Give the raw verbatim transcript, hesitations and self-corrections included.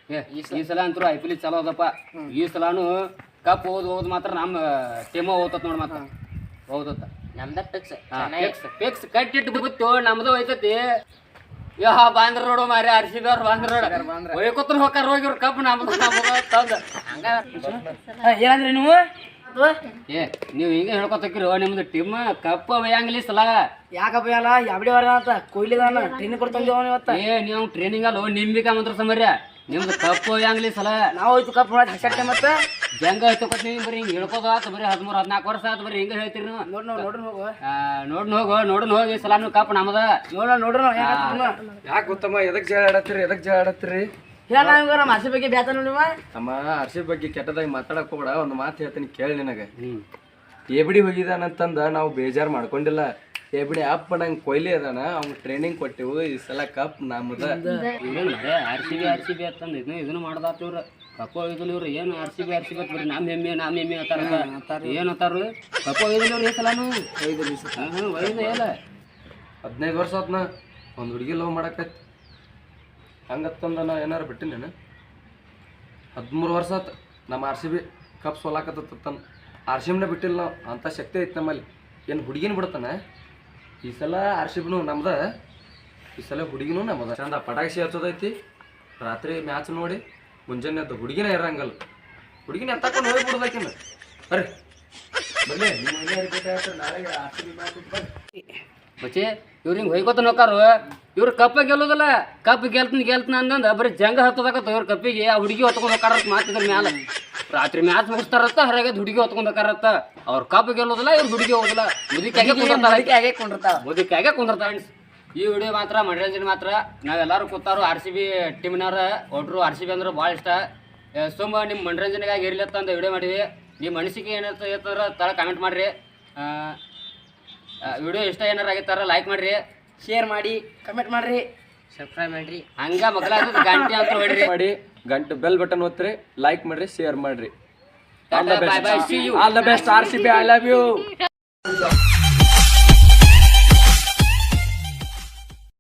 ಈ ಸಲ ಅಂತೂ ಐ ಪಿ ಎಲ್ ಚಲೋ ಅದಪ್ಪ. ಈ ಸಲಾನು ಕಪ್ ಹೋದ್ ಹೋದ್ ಮಾತ್ರ ನಮ್ಮ ಟೀಮ ಹೋಗ್ತತ್ ನೋಡ್ ಮಾತ್ರ ಹೌದತ್ತ ನಮ್ದ ಫಿಕ್ಸ್ ಫಿಕ್ಸ್ ಕಟ್ಟಿಟ್ಟು ಬಿತ್ತು ನಮ್ದು ಹೋಯ್ತತಿ. ಯಾ ಬಾಂದ್ರ ನೋಡು ಮಾರಿ ಆರ್ ಸಿ ಬಿ ಅವ್ರು ಬಾಂದ್ರ ನೋಡ ಒಯ್ಕೊತ್ರ ಹೋಗಾರ ಹೋಗಿವ್ರ ಕಪ್ ನಮ್ದು ನಮ್ದು ತಂದ ಹಂಗ ಏನಂದ್ರಿ ನೀವು ಏ ನೀವು ಹಿಂಗ ಹೇಳ್ಕೊತಕ್ಕಿರೋ ನಿಮ್ದು ಟೀಮ್ ಕಪ್ ಒಯ್ಯಂಗಿಲ್ಲ ಈ ಸಲ. ಯಾಕಪ್ಪ ಎಲ್ಲ ಯಾವಡಿ ವಾರ ಅಂತ ಕೊಯ್ಲಿದಾನ ಟ್ರೈನಿಂಗ್ ಕೊಡ್ತಂದೇವ ಇವತ್ತ. ಏ ನೀವು ಟ್ರೈನಿಂಗ್ ಅಲ್ಲ ನಿಂಬಿಕ ಮಂತ್ರ ಸಮರ್ಯ ನಿಮ್ದು ಕಪ್ ಒಯ್ಯಂಗಿಲ್ಲ ಈ ಸಲ. ನಾವು ಹೋಯ್ತು ಕಪ್ ನೋಡಿ ಹಸಟ್ಟೆ ಮತ್ತೆ ಜಂಗ ಹತ್ತಕೋತ ನೀವು ಬರೀ ಹಿಂಗೆ ಹೇಳ್ಕೋದು ಆತು ಬರೀ ಹದಿಮೂರು ಹದಿನಾಲ್ಕು ವರ್ಷ ಆತು ಬರೀ ಹಿಂಗೆ ಹೇಳ್ತೀರಿ ನೀವು. ನೋಡ್ ನೋಡ್ ನೋಡ್ರಿ ಹೋಗು ನೋಡ್ನ ಹೋಗು ನೋಡ್ನ ಹೋಗಿ ಈ ಸಲ ನೀವು ಕಪ್ ನಮ್ಮದ ನೋಡ ನೋಡ್ರಿ ಯಾಕೆ ಗೊತ್ತಮ್ಮ ಎದಕ್ ಜಗಳ ಆಡತ್ತೀರಿ ಎದಕ್ ಜಗಳ ಆಡತ್ತೀರಿ? ಹೇಳ ನಾವ್ ಮಾಸಿ ಬಗ್ಗೆ ಬ್ಯಾತ ನೋಡಿವ ಅಮ್ಮ ಅರ್ಶಿ ಬಗ್ಗೆ ಕೆಟ್ಟದಾಗಿ ಮಾತಾಡಕ್ ಹೋಗ್ಬೇಡ. ಒಂದು ಮಾತು ಹೇಳ್ತೀನಿ ಕೇಳಿ ನಿನಗೆ. ಎಬಿಡಿ ಹೋಗಿದಾನಂತಂದ ನಾವು ಬೇಜಾರು ಮಾಡ್ಕೊಂಡಿಲ್ಲ. ಎಬಿಡಿ ಅಪ್ಪ ನಂಗೆ ಕೊಯ್ಲಿ ಅದಾನ ಅವ್ನು ಟ್ರೈನಿಂಗ್ ಕೊಟ್ಟಿವು. ಈ ಸಲ ಕಪ್ ನಮ್ಮದ. R C B R C B ಅಂತಂದು ಇದನ್ನ ಇದನ್ನು ಮಾಡ್ದಾತ ಇವ್ರು ಕಪ್ಪ ಒಯ್ದಲ್ ಇವ್ರು ಏನು R C B R C B ಬರೀ ನಮ್ಮ ಹೆಮ್ಮೆ ನಮ್ಮ ಹೆಮ್ಮೆ ಅಂತಾರ ಏನು ಅಂತಾರ ಕಪ್ಪ ಒಯ್ದಲ್ ಇವ್ರು ಈ ಸಲಾನು ಹಾಂ ಒಯ್ದ ಎಲ್ಲ ಹದಿನೈದು ವರ್ಷ ಆತ್ನ ಒಂದು ಹುಡುಗಿ ಲವ್ ಮಾಡಕೈತಿ. ಹಂಗತ್ತಂದ ನಾ ಏನಾರು ಬಿಟ್ಟಿನೇನು? ಹದಿಮೂರು ವರ್ಷ ಆತು ನಮ್ಮ ಆರ್ ಸಿ ಬಿ ಕಪ್ ಸೋಲಾಕತ್ತನ. ಆರ್ ಸಿ ಬಿನ ಬಿಟ್ಟಿಲ್ಲ ನಾವು. ಅಂಥ ಶಕ್ತಿ ಐತೆ ನಮ್ಮಲ್ಲಿ. ಏನು ಹುಡುಗಿನ ಬಿಡ್ತಾನೆ ಈ ಸಲ ಆರ್ ಸಿ ಬಿನೂ ನಮ್ದ. ಈ ಸಲ ಹುಡುಗಿನೂ ನಮ್ಮದ. ಚಂದ ಪಟಾಕ್ಷಿ ಹಚ್ಚೋದೈತಿ. ರಾತ್ರಿ ಮ್ಯಾಚ್ ನೋಡಿ ಮುಂಜಾನೆ ಅದು ಹುಡುಗಿನ ಇರಂಗಲ್ಲ. ಹುಡುಗಿನ ಎತ್ತಕೊಂಡು ಹೋಗಿ ಬಿಡೋದಕ್ಕಿನ್ನ ಬರ್ರಿ ಬರ್ಲಿ ನಿಮ್ಮ ನಾಳೆ ಆರ್ ಸಿ ಬಿ ಮ್ಯಾಚ್ ಬರ್ರಿ. ಬಚ್ಚಿ ಇವ್ರು ಹಿಂಗೆ ಹೊಯ್ಕೋತ ನೋಕಾರು ಇವ್ರು ಕಪ್ಪ ಗೆಲ್ಲೋದಲ್ಲ. ಕಪ್ ಗೆಲ್ತೀನಿ ಗೆಲ್ತೀನಿ ಅಂದಂದ ಬರೀ ಜಂಗ ಹತ್ತದಾಕತ್ತ ಇವ್ರ ಕಪ್ಪಿಗೆ ಆ ಹುಡುಗಿ ಹೊತ್ಕೊಂಡು ಹೋಗಾರತ್ ಮಾತಿದ್ರ ಮ್ಯಾಲ. ರಾತ್ರಿ ಮ್ಯಾಚ್ ಮುಗಿಸ್ತಾರತ್ತ ಹೊರಗೆ ಹುಡುಗಿ ಹೊತ್ಕೊಂಡು ಹೋಗಾರತ್ತ. ಅವ್ರ ಕಪ್ ಗೆಲ್ಲೋದಿಲ್ಲ ಇವ್ರು ಹುಡುಗಿ ಹೋಗೋದಿಲ್ಲ. ಮುದಿಕಾಗೆ ಕುಂದಿರ್ತಾವ ಮುದಿಕಾಗೆ ಕುಂದಿರ್ತಾವ. ಈ ವಿಡಿಯೋ ಮಾತ್ರ ಮನರಂಜನೆ ಮಾತ್ರ. ನಾವೆಲ್ಲರೂ ಕೂತಾರು ಆರ್ ಸಿ ಬಿ ಟೀಮ್ನವ್ರ ಒಟ್ರು ಆರ್ ಸಿ ಬಿ ಅಂದ್ರೆ ಭಾಳ ಇಷ್ಟ. ಸುಮ್ಮ ನಿಮ್ಮ ಮನರಂಜನೆಗಾಗಿ ಇರ್ಲತ್ತ ಅಂತ ವಿಡಿಯೋ ಮಾಡಿವಿ. ನಿಮ್ಮ ಅನಿಸಿಕೆ ಏನಿರ್ತದೆ ಇರ್ತಂದ್ರೆ ತಳ ಕಮೆಂಟ್ ಮಾಡಿರಿ. ವಿಡಿಯೋ ಇಷ್ಟ ಏನಾರು ಆಗಿತ್ತಾರ ಲೈಕ್ ಮಾಡಿರಿ, ಶೇರ್ ಮಾಡಿ, ಕಮೆಂಟ್ ಮಾಡ್ರಿ, ಸಬ್ಸ್ಕ್ರೈಬ್ ಮಾಡ್ರಿ. ಹಂಗ ಮಕ್ಕಳ ಗಂಟೆ ಅಂತ ಹೊಡ್ರಿ ಮಾಡಿ ಗಂಟೆ ಬೆಲ್ ಬಟನ್ ಒತ್ತಿರಿ, ಲೈಕ್ ಮಾಡ್ರಿ, ಶೇರ್ ಮಾಡ್ರಿ. All the Bye bye. Best See you. All the best R C B. I love you.